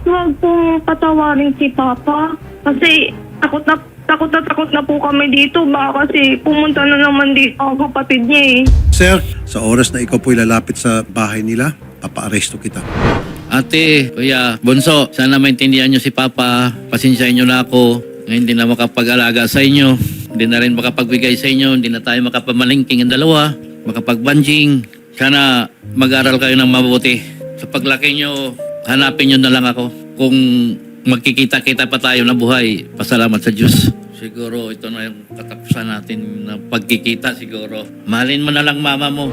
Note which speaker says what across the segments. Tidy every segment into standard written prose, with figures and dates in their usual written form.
Speaker 1: wag pong patawarin si Papa. Kasi takot na po kami dito. Baka kasi pumunta na naman dito ang kapatid niya eh.
Speaker 2: Sir, sa oras na ikaw po lalapit sa bahay nila, papa-aresto kita.
Speaker 3: Ate, Kuya, Bunso, sana maintindihan nyo si Papa. Pasensyahin nyo na ako. Ngayon hindi na makapag-alaga sa inyo. Hindi na rin makapagbigay sa inyo. Hindi na tayo makapamalingking ang dalawa. Makapag-banjing. Sana mag-aral kayo ng mabuti. Sa paglaki nyo, hanapin nyo na lang ako. Kung magkikita-kita pa tayo na buhay, pasalamat sa Diyos. Siguro ito na yung katapusan natin na pagkikita siguro. Mahalin mo na lang mama mo.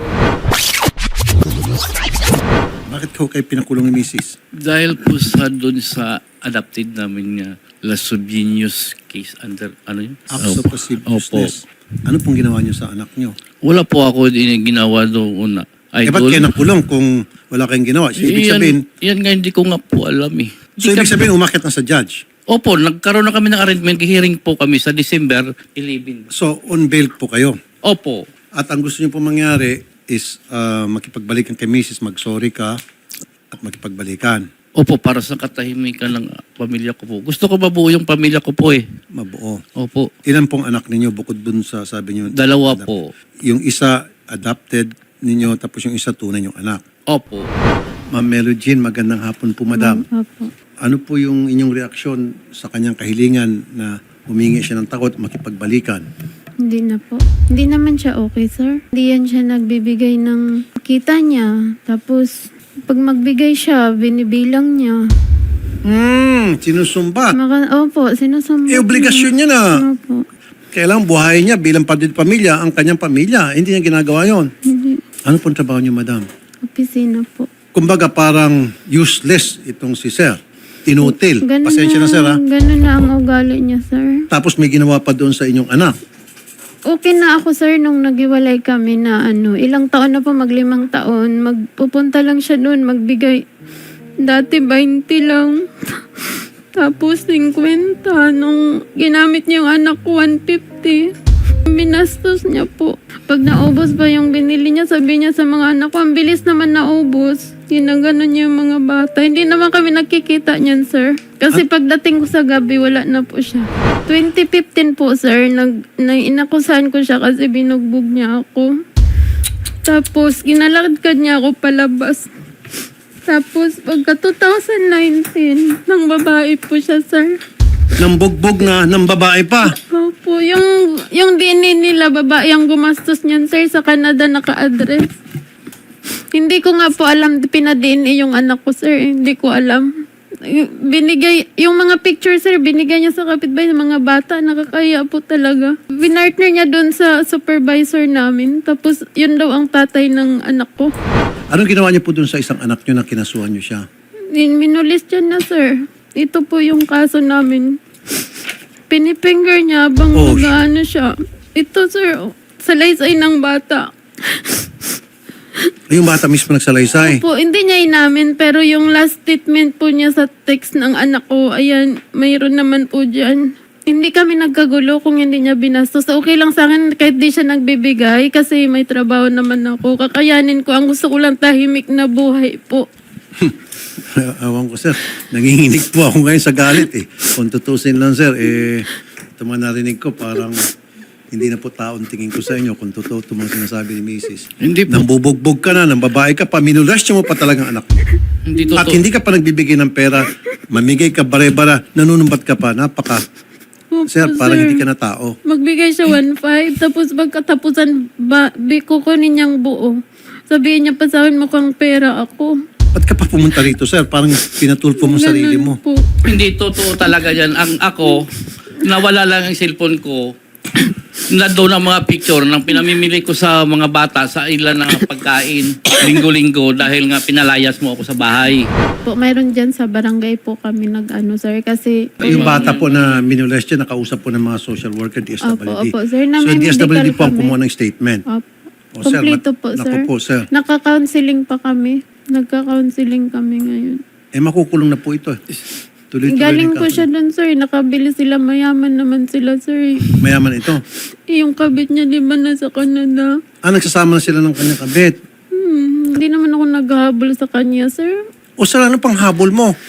Speaker 2: Bakit ko kayo pinakulong ni Mrs.?
Speaker 3: Dahil po sa doon sa adopted namin nga Lasubinius case under, ano yun?
Speaker 2: Acts of lasciviousness. Ano pong ginawa niyo sa anak niyo?
Speaker 3: Wala po ako ginawa doon una.
Speaker 2: Ba't kayo nakulong kung wala kayong ginawa? So, ibig sabihin,
Speaker 3: yan nga hindi ko nga po alam eh.
Speaker 2: so ibig sabihin umakit na sa judge?
Speaker 3: Opo, nagkaroon na kami ng arrangement. Hearing po kami sa December 11.
Speaker 2: So on bail po kayo?
Speaker 3: Opo.
Speaker 2: At ang gusto niyo po mangyari is makipagbalikan kay Mrs., mag-sorry ka at makipagbalikan.
Speaker 3: Opo, para sa katahimikan ng pamilya ko po. Gusto ko mabuo yung pamilya ko po eh.
Speaker 2: Mabuo.
Speaker 3: Opo.
Speaker 2: Ilan pong anak ninyo bukod dun sa sabi niyo?
Speaker 3: Dalawa po.
Speaker 2: Yung isa adopted ninyo tapos yung isa tunay yung anak.
Speaker 3: Opo.
Speaker 2: Ma'am Melody, magandang hapon po madam.
Speaker 4: Opo.
Speaker 2: Ano po yung inyong reaksyon sa kanyang kahilingan na humingi siya ng takot makipagbalikan?
Speaker 4: Hindi na po. Hindi naman siya okay, sir. Hindi yan siya nagbibigay ng kita niya. Tapos, pag magbigay siya, binibilang niya.
Speaker 2: Sinusumbat.
Speaker 4: Opo, sinusumbat
Speaker 2: Eh, obligasyon niya na.
Speaker 4: Opo.
Speaker 2: Kailangan buhay niya bilang pamilya, ang kanyang pamilya. Hindi niya ginagawa yon.
Speaker 4: Hindi.
Speaker 2: Ano pong trabaho niyo, madam?
Speaker 4: Opisina po.
Speaker 2: Kumbaga parang useless itong si sir. Inutil.
Speaker 4: Ganun
Speaker 2: Pasensya na sir ha.
Speaker 4: Ganun na ang ugali niya, sir.
Speaker 2: Tapos may ginawa pa doon sa inyong anak.
Speaker 4: Okay na ako, sir, nung naghiwalay kami na ilang taon na po, 5 taon. Magpupunta lang siya doon, magbigay. Dati 20 lang. Tapos 50. Nung ginamit niya yung anak ko, 150. Binastos niya po. Pag naubos ba yung binili niya, sabi niya sa mga anak ko, ang bilis naman naubos. Ginaganon niya yung mga bata. Hindi naman kami nakikita niyan, sir. Kasi pagdating ko sa gabi, wala na po siya. 2015 po, sir, inakusahan ko siya kasi binugbog niya ako. Tapos, ginalakad niya ako palabas. Tapos, pagka 2019, nang babae po siya, sir.
Speaker 2: Nang bugbog na, ng babae pa.
Speaker 4: Opo, yung DNA nila, babae ang gumastos niyan, sir, sa Canada naka-address. Hindi ko nga po alam, pinadna yung anak ko, sir. Hindi ko alam. Binigay, yung mga picture, sir, binigay niya sa kapitbahay ng mga bata. Nakakaya po talaga. Binartner niya doon sa supervisor namin. Tapos, yun daw ang tatay ng anak ko.
Speaker 2: Anong ginawa niyo po doon sa isang anak niyo na kinasuhan niyo siya?
Speaker 4: Minulis yan na, sir. Ito po yung kaso namin. Pinifinger niya habang nag-ano siya. Ito, sir, salaysay ng bata.
Speaker 2: Yung bata mismo nagsalaysay.
Speaker 4: Po, hindi niya inamin, pero yung last statement po niya sa text ng anak ko, ayan, mayroon naman po dyan. Hindi kami nagkagulo kung hindi niya binastos. Okay lang sa akin kahit di siya nagbibigay kasi may trabaho naman ako. Kakayanin ko. Ang gusto ko lang tahimik na buhay po.
Speaker 2: Awan ko, sir. Nanginginig po ako ngayon sa galit eh. Kung tutusin lang, sir, ito mga narinig ko, parang hindi na po taon tingin ko sa inyo kung totoo ito mga sinasabi ni Mrs.
Speaker 3: Hindi po.
Speaker 2: Nang bubugbog ka na, nang babae ka pa, minulastya mo pa talagang anak mo.
Speaker 3: Hindi
Speaker 2: At
Speaker 3: totoo.
Speaker 2: hindi ka pa nagbibigay ng pera, mamigay ka bare-bara, nanunumbat ka pa, napaka.
Speaker 4: Opo,
Speaker 2: Sir, parang hindi ka na tao.
Speaker 4: Magbigay siya 1.5, tapos pagkatapusan, kukunin niyang buo. Sabihin niya pa sa akin, mukhang pera ako.
Speaker 2: Ba't ka pa pumunta rito, sir? Parang pinatulpo mo sarili mo.
Speaker 4: Ganun po.
Speaker 3: Hindi totoo talaga yan. Ang ako, nawala lang ang cellphone ko. Na doon ang mga picture ng pinamimili ko sa mga bata sa ilan na pagkain linggo-linggo dahil nga pinalayas mo ako sa bahay.
Speaker 4: Po, mayroon dyan sa barangay po kami kasi
Speaker 2: Yung bata po na minulestya, nakausap po ng mga social worker, DSWD.
Speaker 4: Opo, sir.
Speaker 2: So, yung DSWD po ang
Speaker 4: kami.
Speaker 2: kumuha ng statement.
Speaker 4: Opo.
Speaker 2: O, sir,
Speaker 4: Kompleto po,
Speaker 2: naku
Speaker 4: sir.
Speaker 2: po, sir.
Speaker 4: Nagka-counseling pa kami. Nagka-counseling kami ngayon.
Speaker 2: Makukulong na po ito. Tuloy-tuloy
Speaker 4: Galing
Speaker 2: na
Speaker 4: po siya dun, sir. Nakabili sila. Mayaman naman sila, sir.
Speaker 2: Mayaman ito.
Speaker 4: Yung kabit niya, di ba, nasa Canada?
Speaker 2: Nagsasama na sila ng kanyang kabit.
Speaker 4: Hindi naman ako naghahabol sa kanya, sir.
Speaker 2: O, sir, ano pang habol mo?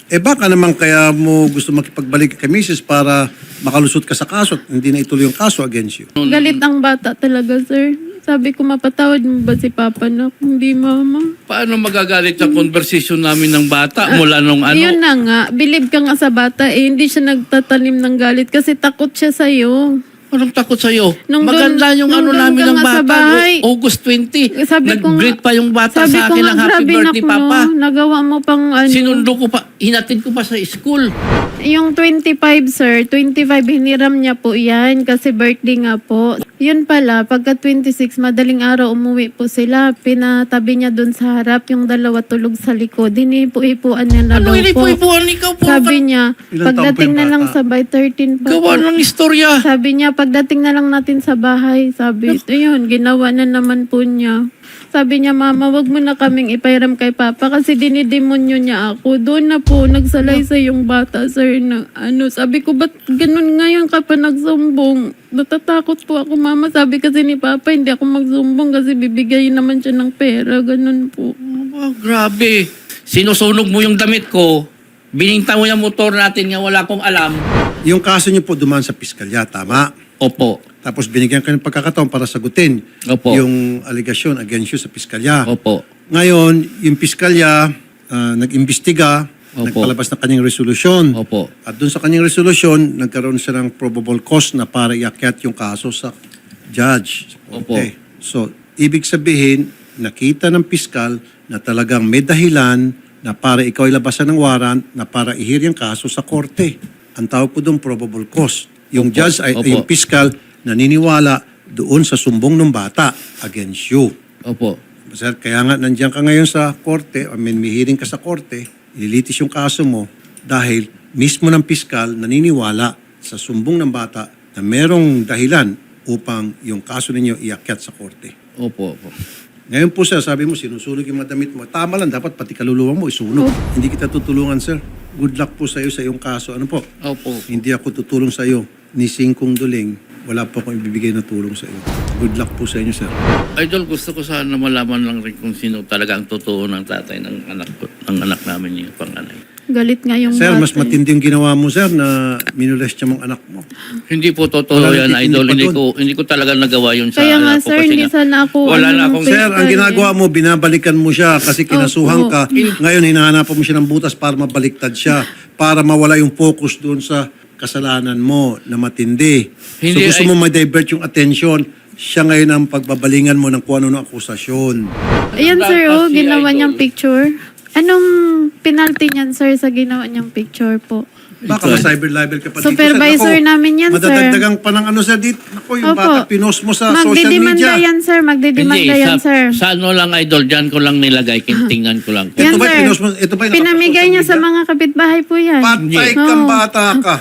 Speaker 2: Baka naman kaya mo gusto makipagbalik kay Mrs. para makalusot ka sa kaso at hindi na ituloy yung kaso against you.
Speaker 4: Galit ang bata talaga, sir. Sabi ko, mapatawad mo ba si Papa na? Hindi, Mama.
Speaker 3: Paano magagalit sa conversation namin ng bata mula nung ano?
Speaker 4: Yun na nga, believe ka nga sa bata hindi siya nagtatanim ng galit kasi takot siya sa'yo.
Speaker 3: Anong takot sa'yo?
Speaker 4: Nung
Speaker 3: Maganda yung
Speaker 4: nung
Speaker 3: ano
Speaker 4: doon
Speaker 3: namin
Speaker 4: ka
Speaker 3: ng
Speaker 4: nga sa
Speaker 3: bata.
Speaker 4: bahay.
Speaker 3: August 20.
Speaker 4: Sabi ko nga-
Speaker 3: Nag-greet pa yung bata
Speaker 4: Sabi
Speaker 3: sa
Speaker 4: ko
Speaker 3: akin
Speaker 4: nga,
Speaker 3: ng happy
Speaker 4: grabe
Speaker 3: birthday,
Speaker 4: na
Speaker 3: Papa.
Speaker 4: nagawa mo pang ano.
Speaker 3: Sinundo ko pa, hinatid ko pa sa school.
Speaker 4: Yung 25, sir, 25 hiniram niya po yan kasi birthday nga po. Yun pala, pagka 26, madaling araw umuwi po sila. Pinatabi niya dun sa harap, yung dalawa tulog sa likod. Hinipo-ipuan niya na
Speaker 3: Ano
Speaker 4: daw po.
Speaker 3: inipo-ipuan ikaw po?
Speaker 4: Sabi niya,
Speaker 2: Ilang taon
Speaker 4: pagdating
Speaker 2: po
Speaker 4: na
Speaker 2: yung
Speaker 4: lang
Speaker 2: bata?
Speaker 4: sa by 13 pa
Speaker 3: Gawa
Speaker 4: po.
Speaker 3: ng istorya.
Speaker 4: Sabi niya, pagdating na lang natin sa bahay, sabi, ito yun, ginawa na naman po niya. Sabi niya, Mama, wag mo na kaming ipairam kay Papa kasi dinidemonyo niya ako. Doon na po, nagsalaysay yung bata, sir, na ano. Sabi ko, ba't ganun ngayon ka pa nagsumbong? Natatakot po ako, Mama. Sabi kasi ni Papa, hindi ako magsumbong kasi bibigayin naman siya ng pera. Ganun po.
Speaker 3: Oh, grabe. Sinusunog mo yung damit ko. Bininta mo yung motor natin nga wala akong alam.
Speaker 2: Yung kaso niyo po dumaan sa piskalya, tama?
Speaker 3: Opo.
Speaker 2: Tapos binigyan ka ng pagkakataon para sagutin
Speaker 3: Opo.
Speaker 2: yung allegation against you sa piskalya.
Speaker 3: Opo.
Speaker 2: Ngayon, yung piskalya nag-imbestiga,
Speaker 3: Opo.
Speaker 2: nagpalabas ng kanyang resolusyon.
Speaker 3: Opo.
Speaker 2: At doon sa kanyang resolusyon, nagkaroon siya ng probable cause na para iakyat yung kaso sa judge.
Speaker 3: Opo.
Speaker 2: Okay. So, ibig sabihin, nakita ng piskal na talagang may dahilan na para ikaw ilabasan ng warrant na para ihir yung kaso sa korte. Ang tawag po doon, probable cause. Yung
Speaker 3: Opo.
Speaker 2: judge ay
Speaker 3: Opo.
Speaker 2: yung piskal naniniwala doon sa sumbong ng bata against you.
Speaker 3: Opo.
Speaker 2: Sir, kaya nga nandiyan ka ngayon sa korte, may hearing ka sa korte, ililitis yung kaso mo dahil mismo ng piskal naniniwala sa sumbong ng bata na merong dahilan upang yung kaso ninyo iakyat sa korte.
Speaker 3: Opo. Opo.
Speaker 2: Ngayon po sir, sabi mo sinusunog yung mga damit mo. Tama lang, dapat pati kaluluwa mo isunog. Hindi kita tutulungan sir. Good luck po sa iyo sa iyong kaso. Ano po?
Speaker 3: Opo.
Speaker 2: Hindi ako tutulong sa iyo ni Singkong Duling. Wala po akong ibibigay na tulong sa iyo. Good luck po sa inyo sir.
Speaker 3: Idol, gusto ko sana malaman lang rin kung sino talaga ang totoo ng tatay ng anak namin yung panganay.
Speaker 4: Galit nga yung
Speaker 2: Sir,
Speaker 4: bata.
Speaker 2: mas matindi yung ginawa mo, sir, na minolest niya mong anak mo.
Speaker 3: Hindi po totoo
Speaker 2: Wala
Speaker 3: yan,
Speaker 2: nang
Speaker 3: Idol.
Speaker 2: titingin pa
Speaker 3: Hindi ko talaga nagawa yun sa
Speaker 4: Kaya nga,
Speaker 3: anak ko
Speaker 4: sir,
Speaker 3: kasi
Speaker 4: hindi
Speaker 3: nga,
Speaker 4: sana ako,
Speaker 3: wala na
Speaker 4: ano,
Speaker 3: akong
Speaker 2: Sir, ang ginagawa mo, binabalikan mo siya kasi kinasuhan
Speaker 4: Opo.
Speaker 2: ka. Ngayon, hinahanapan mo siya ng butas para mabaliktad siya. Para mawala yung focus doon sa kasalanan mo na matindi.
Speaker 3: Hindi,
Speaker 2: so gusto mo ma-divert yung attention. Siya ngayon ang pagbabalingan mo ng kung ano ng akusasyon.
Speaker 4: Ayan, sir, oh,
Speaker 3: Kasi,
Speaker 4: ginawa
Speaker 3: Idol.
Speaker 4: niyang picture. Anong penalty niyan, sir, sa ginawa niyang picture po?
Speaker 2: Baka ma-cyber libel ka pa dito, sir.
Speaker 4: Supervisor
Speaker 2: Ako,
Speaker 4: namin yan, sir.
Speaker 2: madadagdagang pa ng ano, sir, dito. Ako, yung
Speaker 4: Opo.
Speaker 2: bata, pinost mo sa social
Speaker 4: Magdidemanda
Speaker 2: media.
Speaker 4: yan, sir. Magdidemanda yan, sir.
Speaker 3: sa ano lang, Idol, dyan ko lang nilagay, tingnan ko lang.
Speaker 4: Yan,
Speaker 2: Ito ba,
Speaker 4: sir.
Speaker 2: pinost mo, ito ba yung
Speaker 4: Pinamigay niya sa mga kapitbahay po yan.
Speaker 2: Patay
Speaker 3: Hindi.
Speaker 2: kang
Speaker 4: Oo.
Speaker 2: bata ka.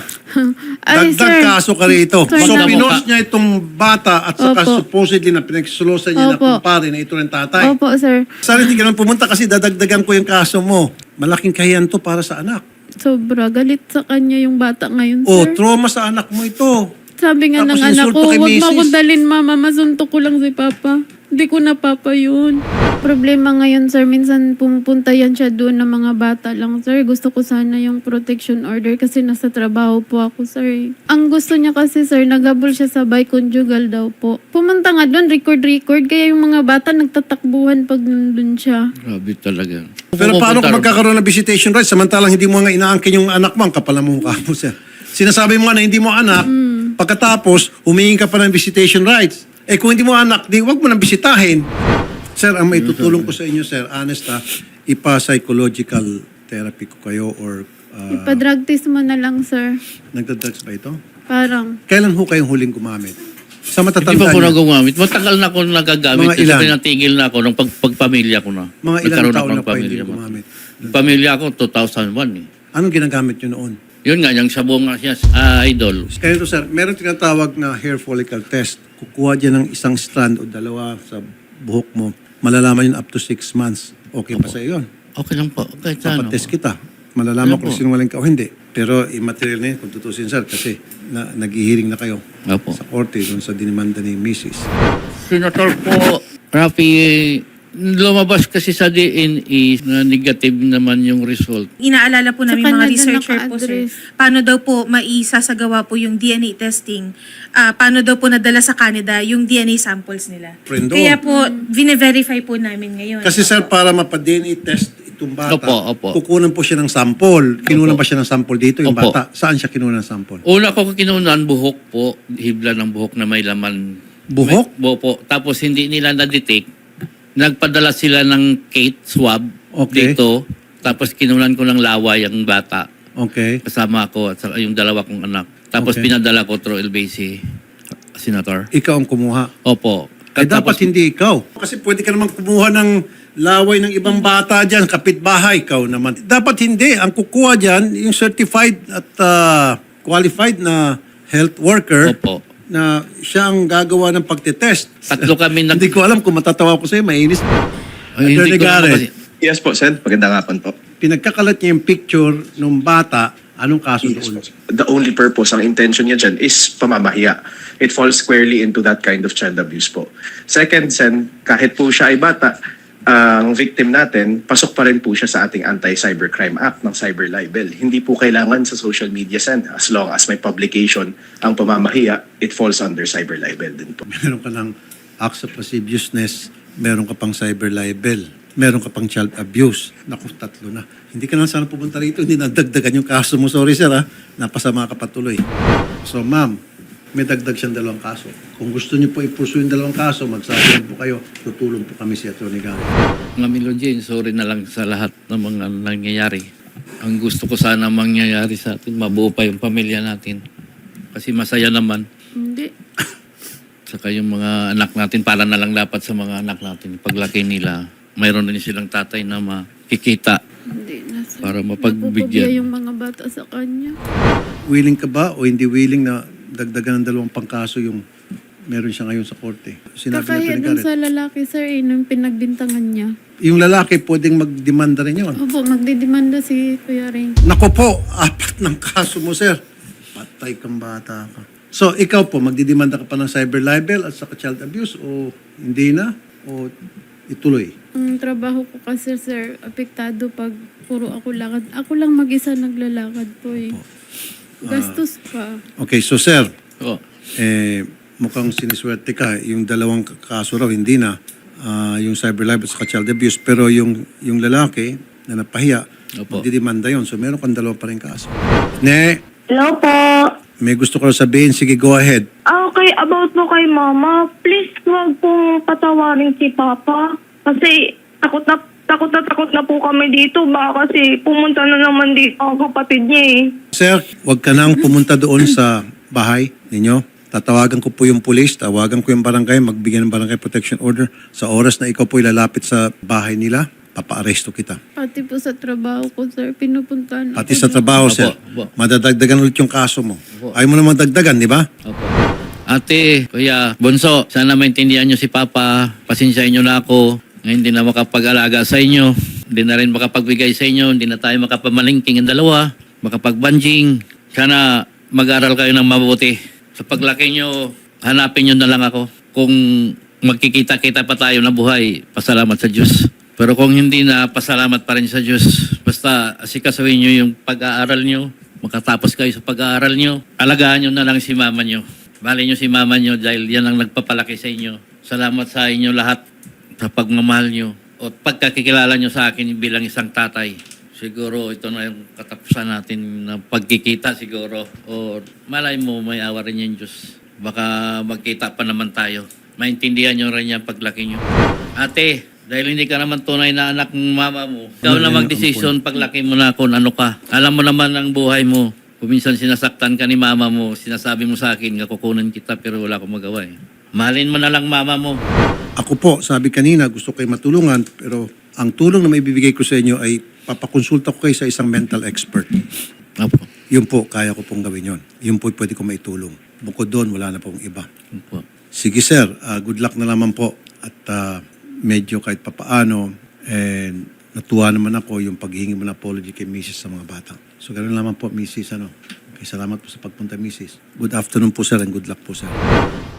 Speaker 4: Ay,
Speaker 2: Dagdag
Speaker 4: sir.
Speaker 2: kaso ka rito.
Speaker 4: Sir,
Speaker 2: So,
Speaker 3: na-
Speaker 2: pinost niya itong bata at saka
Speaker 4: Opo.
Speaker 2: supposedly na pinagsulusan niya na
Speaker 4: Opo.
Speaker 2: kumpare na ito ng tatay.
Speaker 4: Opo, sir.
Speaker 2: Sana hindi ka naman pumunta kasi dadagdagan ko yung kaso mo. Malaking kahiyan to para sa anak.
Speaker 4: Sobra. Galit sa kanya yung bata ngayon,
Speaker 2: O,
Speaker 4: sir.
Speaker 2: trauma sa anak mo ito.
Speaker 4: Sabi nga
Speaker 2: Tapos
Speaker 4: ng anak
Speaker 2: insulto
Speaker 4: ko,
Speaker 2: kay
Speaker 4: huwag mo
Speaker 2: misis.
Speaker 4: akong dalhin, Mama. Masuntok ko lang si Papa. Hindi ko na Papa yun. Problema ngayon, sir. Minsan pumupunta yan siya doon ng mga bata lang, sir. Gusto ko sana yung protection order kasi nasa trabaho po ako, sir. Ang gusto niya kasi, sir, nagabol siya sa conjugal daw po. Pumunta nga doon, record. Kaya yung mga bata nagtatakbuhan pag nandun siya.
Speaker 3: Grabe talaga.
Speaker 2: Pero paano kung magkakaroon ng visitation rights samantalang hindi mo nga inaangkin yung anak mo, ang kapal ng mukha mo, sir. Sinasabi mo nga na hindi mo anak, pagkatapos humingi ka pa ng visitation rights. Eh kung hindi mo anak, di wag mo nang bisitahin. Sir, ang may tutulong ko sa inyo, sir, honest ha, ipa-psychological therapy ko kayo or
Speaker 4: Ipa-drug test mo na lang, sir.
Speaker 2: nagdadrugs ba ito?
Speaker 4: Parang.
Speaker 2: Kailan ho kayong huling gumamit? Sa
Speaker 3: Hindi
Speaker 2: matatanda
Speaker 3: pa ako
Speaker 2: niyo,
Speaker 3: nagumamit. Matagal na ako nagagamit.
Speaker 2: Mga ilan?
Speaker 3: Kasi pinatigil na ako nung pagpamilya ko na.
Speaker 2: mga ilang
Speaker 3: Nagkaroon
Speaker 2: taon
Speaker 3: ako
Speaker 2: na
Speaker 3: ng
Speaker 2: pa hindi
Speaker 3: pamilya mo.
Speaker 2: gumamit?
Speaker 3: Pamilya ko, 2001 eh.
Speaker 2: Anong ginagamit nyo noon?
Speaker 3: Yun nga, yung sabong nga siya, Idol.
Speaker 2: Kaya ito, sir, meron tinatawag na hair follicle test. Kukuha dyan ng isang strand o dalawa sa buhok mo. Malalaman yun up to 6 months. Okay pa sa iyo yun.
Speaker 3: Okay lang po. Kahit sa ano.
Speaker 2: Papatest kita. Malalaman
Speaker 3: Ano
Speaker 2: kung
Speaker 3: po?
Speaker 2: sinungaling ka o hindi. Pero immaterial na yun kung tutusin, sir, kasi nag-hearing na kayo
Speaker 3: Opo.
Speaker 2: sa korte doon sa dinimanda ni Mrs.
Speaker 3: Senator po, Rafi Lumabas kasi sa DNA na negative naman yung result.
Speaker 5: Inaalala po namin
Speaker 4: Sa
Speaker 5: mga
Speaker 4: Canada
Speaker 5: researcher po, sir.
Speaker 4: naka-address.
Speaker 5: Paano daw po maisasagawa po yung DNA testing? Paano daw po nadala sa Canada yung DNA samples nila?
Speaker 2: Friend doon.
Speaker 5: Kaya po, vine-verify po namin ngayon.
Speaker 2: Kasi sir, para mapa-DNA test itong bata,
Speaker 3: Opo.
Speaker 2: kukunan po siya ng sample. Kinunan ba siya ng sample dito, yung
Speaker 3: Opo.
Speaker 2: bata? Saan siya kinunan ng sample?
Speaker 3: Una ko kinunan, buhok po. Hibla ng buhok na may laman.
Speaker 2: Buhok?
Speaker 3: Opo. Tapos hindi nila na-detect. Nagpadala sila ng Kate swab
Speaker 2: Okay.
Speaker 3: dito. Tapos kinunan ko ng laway ang bata.
Speaker 2: Okay.
Speaker 3: Kasama ko at saka yung dalawa kong anak. Tapos
Speaker 2: Okay.
Speaker 3: pinadala ko through LBC, Senator.
Speaker 2: Ikaw ang kumuha.
Speaker 3: Opo.
Speaker 2: Eh, dapat hindi ikaw. Kasi pwede ka naman kumuha ng laway ng ibang bata dyan, kapitbahay, ikaw naman. Dapat hindi. Ang kukuha dyan, yung certified at qualified na health worker
Speaker 3: Opo.
Speaker 2: na siya ang gagawa ng pagtetest.
Speaker 3: Tatlo kami
Speaker 2: Hindi ko alam kung matatawa ko sa'yo, mainis.
Speaker 3: Ay,
Speaker 2: Attorney
Speaker 3: hindi ko naman
Speaker 2: Garrett,
Speaker 3: kasi-
Speaker 6: Yes po, Sen. Magandang hapon po.
Speaker 2: pinagkakalat niya yung picture ng bata, anong kaso
Speaker 6: Yes
Speaker 2: doon?
Speaker 6: po. The only purpose, ang intention niya dyan is pamamahiya. It falls squarely into that kind of child abuse po. Second, Sen, kahit po siya ay bata, ang victim natin, pasok pa rin po siya sa ating Anti-Cybercrime Act ng cyber libel. Hindi po kailangan sa social media, Sen. As long as may publication ang pamamahiya, it falls under cyber libel din po.
Speaker 2: Meron ka ng acts of lasciviousness, meron ka pang cyber libel, meron ka pang child abuse. Naku, tatlo na. Hindi ka na sana pupunta rito, hindi nadagdagan yung kaso mo. Sorry sir ha, napasama ka patuloy. So ma'am, may dagdag siyang 2 kaso. Kung gusto niyo po i-pursue yung 2 kaso, magsasabi po kayo, tutulong po kami si Atty. Garrett.
Speaker 3: Mga Milogene, sorry na lang sa lahat ng mga nangyayari. Ang gusto ko sana mangyayari sa atin, mabuo pa yung pamilya natin. Kasi masaya naman.
Speaker 4: Hindi.
Speaker 3: Saka yung mga anak natin, para na lang dapat sa mga anak natin. Paglaki nila, mayroon din silang tatay na makikita.
Speaker 4: Hindi na, sir.
Speaker 3: Para mapagbigyan.
Speaker 4: Napupugya yung mga bata sa kanya.
Speaker 2: Willing ka ba o hindi willing na dagdagan ng 2 pang kaso yung meron siya ngayon sa korte? Sinabi ni
Speaker 4: Kakaya
Speaker 2: Atty.
Speaker 4: dun
Speaker 2: Garrett.
Speaker 4: sa lalaki, sir, nung pinagbintangan niya.
Speaker 2: Yung lalaki pwedeng magdemanda rin yun.
Speaker 4: Opo, magdidemanda si Kuya Ring.
Speaker 2: Nako po, 4 ng kaso mo, sir. Patay kang bata ka. So, ikaw po, magdidemanda ka pa ng cyber libel at saka child abuse o hindi na? O ituloy?
Speaker 4: Ang trabaho ko kasi, sir, apektado pag puro ako lakad. Ako lang mag-isa naglalakad po eh. Gastos pa.
Speaker 2: Okay, so sir,
Speaker 3: Oh,
Speaker 2: mukhang siniswerte ka. Yung 2 kaso raw, hindi na. Yung cyber libel at saka child abuse. Pero yung lalaki na napahiya,
Speaker 3: Opo.
Speaker 2: magdidemanda yun. So, meron kang 2 pa rin kaso. Ne,
Speaker 1: Hello po.
Speaker 2: may gusto ko sabihin. Sige, go ahead.
Speaker 1: Okay, about po kay mama, please huwag pong patawarin si papa. Kasi takot na po kami dito. Baka kasi pumunta na naman dito ang kapatid niya eh.
Speaker 2: Sir, huwag ka nang pumunta doon sa bahay ninyo. Tatawagan ko po yung pulis, tawagan ko yung barangay, magbigyan ng barangay protection order. Sa oras na ikaw po ilalapit sa bahay nila, papa-aresto kita.
Speaker 4: Pati po sa trabaho ko, sir, pinupuntahan ako.
Speaker 2: Pati sa trabaho,
Speaker 3: Opo,
Speaker 2: sir.
Speaker 3: opo.
Speaker 2: Madadagdagan ulit yung kaso mo. Ayaw mo naman dagdagan, di ba?
Speaker 3: opo. Ate, Kuya, Bonso, sana maintindihan nyo si Papa. Pasensyahin nyo na ako. Ngayon hindi na makapag-alaga sa inyo. Hindi na rin makapagbigay sa inyo. Hindi na tayo makapamalingking ang dalawa. Makapag-banjing. Sana mag-aral kayo ng mabuti. Sa paglaki nyo, hanapin nyo na lang ako. Kung magkikita-kita pa tayo na buhay, pasalamat sa Diyos. Pero kung hindi na, pasalamat pa rin sa Diyos. Basta asikasuhin nyo yung pag-aaral nyo. Makatapos kayo sa pag-aaral nyo. Alagaan nyo na lang si mama nyo. Bali nyo si mama nyo dahil yan ang nagpapalaki sa inyo. Salamat sa inyo lahat sa pagmamahal nyo. O pagkakikilala nyo sa akin bilang isang tatay. Siguro ito na yung katapusan natin na pagkikita siguro. O malay mo may awa rin yung Diyos. Baka magkita pa naman tayo. Maintindihan nyo rin yan paglaki nyo. Ate, dahil hindi ka naman tunay na anak ng mama mo, ikaw na magdesisyon paglaki mo na kung ano ka. Alam mo naman ang buhay mo. Kung minsan sinasaktan ka ni mama mo, sinasabi mo sa akin, kukunan kita pero wala akong magawa eh. Mahalin mo na lang mama mo.
Speaker 2: Ako po, sabi kanina, gusto kayo matulungan, pero ang tulong na may bibigay ko sa inyo ay papakonsulta ko kayo sa isang mental expert.
Speaker 3: Opo.
Speaker 2: Yun po, kaya ko pong gawin yun. Yun po pwede ko maitulong. Bukod doon, wala na pong iba.
Speaker 3: Opo.
Speaker 2: Sige sir, good luck na naman po. At medyo kahit papaano, natuwa naman ako yung paghihingi mo ng apology kay Mrs. sa mga bata. So ganoon naman po, Mrs. Okay, salamat po sa pagpunta, Mrs. Good afternoon po sir and good luck po sir.